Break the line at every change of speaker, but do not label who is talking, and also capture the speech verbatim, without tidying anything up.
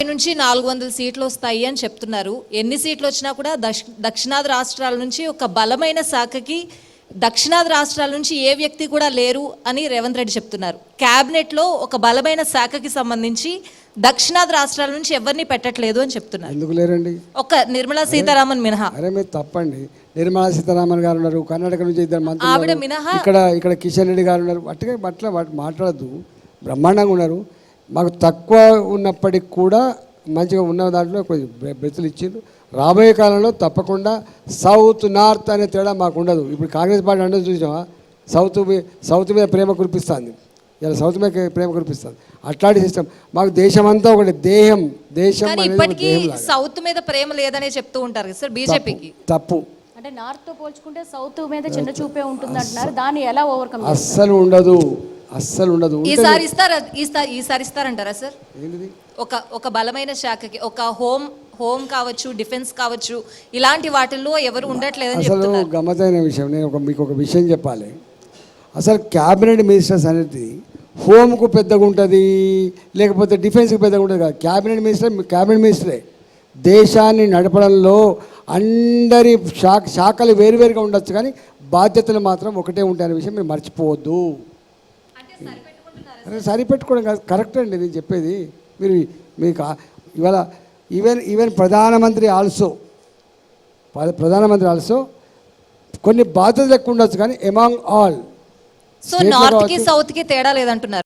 నుంచి నాలుగు వందల సీట్లు వస్తాయి అని చెప్తున్నారు. ఎన్ని సీట్లు వచ్చినా కూడా దక్షిణాది రాష్ట్రాల నుంచి ఒక బలమైన శాఖకి దక్షిణాది రాష్ట్రాల నుంచి ఏ వ్యక్తి కూడా లేరు అని రేవంత్ రెడ్డి చెప్తున్నారు. క్యాబినెట్లో ఒక బలమైన శాఖకి సంబంధించి దక్షిణాది రాష్ట్రాల నుంచి ఎవరిని పెట్టట్లేదు అని చెప్తున్నారు.
ఎందుకు లేరండి?
ఒక నిర్మలా సీతారామన్ మినహా.
అరే మీరు తప్పండి. నిర్మలా సీతారామన్ గారు ఉన్నారు, కర్ణాటక నుంచి ఇద్దరు మంత్రులు,
ఆవిడ మినహా
ఇక్కడ ఇక్కడ కిషన్ రెడ్డి గారు ఉన్నారు. అట్టుగా అట్లా మాట్లాడద్దు. బ్రహ్మాండంగా ఉన్నారు. మాకు తక్కువ ఉన్నప్పటికి కూడా మంచిగా ఉన్న దాంట్లో కొంచెం బ్రెతులు ఇచ్చిండ్రు. రాబోయే కాలంలో తప్పకుండా సౌత్ నార్త్ అనే తేడా మాకు ఉండదు. ఇప్పుడు కాంగ్రెస్ పార్టీ అంటే చూసామా, సౌత్ సౌత్ మీద ప్రేమ కురిపిస్తుంది, ఇలా సౌత్ మీద ప్రేమ కురిపిస్తుంది. అట్లాంటి సిస్టమ్ మాకు దేశమంతా ఒకటి దేహం దేశం
ఇప్పటికీ సౌత్ మీద ప్రేమ లేదనే చెప్తూ ఉంటారు కదా సార్ బీజేపీకి.
తప్పు.
అంటే నార్త్ తో పోల్చుకుంటే సౌత్ మీద చిన్న చూపే ఉంటుంది అంటున్నారు. దాన్ని ఎలా ఓవర్కమ్?
అస్సలు ఉండదు, అస్సలు ఉండదు.
ఈసారి ఇస్తారా? ఈసారి ఇస్తారంటారా సార్? ఒక ఒక బలమైన శాఖకి ఒక హోమ్ హోమ్ కావచ్చు, డిఫెన్స్ కావచ్చు, ఇలాంటి వాటిల్లో ఎవరు ఉండట్లేదని
అసలు గమ్మతైన విషయం. నేను ఒక మీకు ఒక విషయం చెప్పాలి. అసలు క్యాబినెట్ మినిస్టర్స్ అనేది హోమ్కు పెద్దగా ఉంటుంది, లేకపోతే డిఫెన్స్కి పెద్దగా ఉంటుంది కాదు. క్యాబినెట్ మినిస్టర్ క్యాబినెట్ మినిస్టరే. దేశాన్ని నడపడంలో అందరి శాఖ శాఖలు వేరువేరుగా ఉండొచ్చు, కానీ బాధ్యతలు మాత్రం ఒకటే ఉంటాయనే విషయం మీరు మర్చిపోవద్దు. సరిపెట్టుకోవడం కాదు, కరెక్ట్ అండి నేను చెప్పేది. మీరు మీకు ఇవాళ ఈవెన్ ఈవెన్ ప్రధానమంత్రి ఆల్సో ప్రధానమంత్రి ఆల్సో కొన్ని బాధ్యతలు ఎక్కువ ఉండొచ్చు, కానీ ఎమాంగ్ ఆల్
సో నార్త్కి సౌత్కి తేడా లేదంటున్నారు.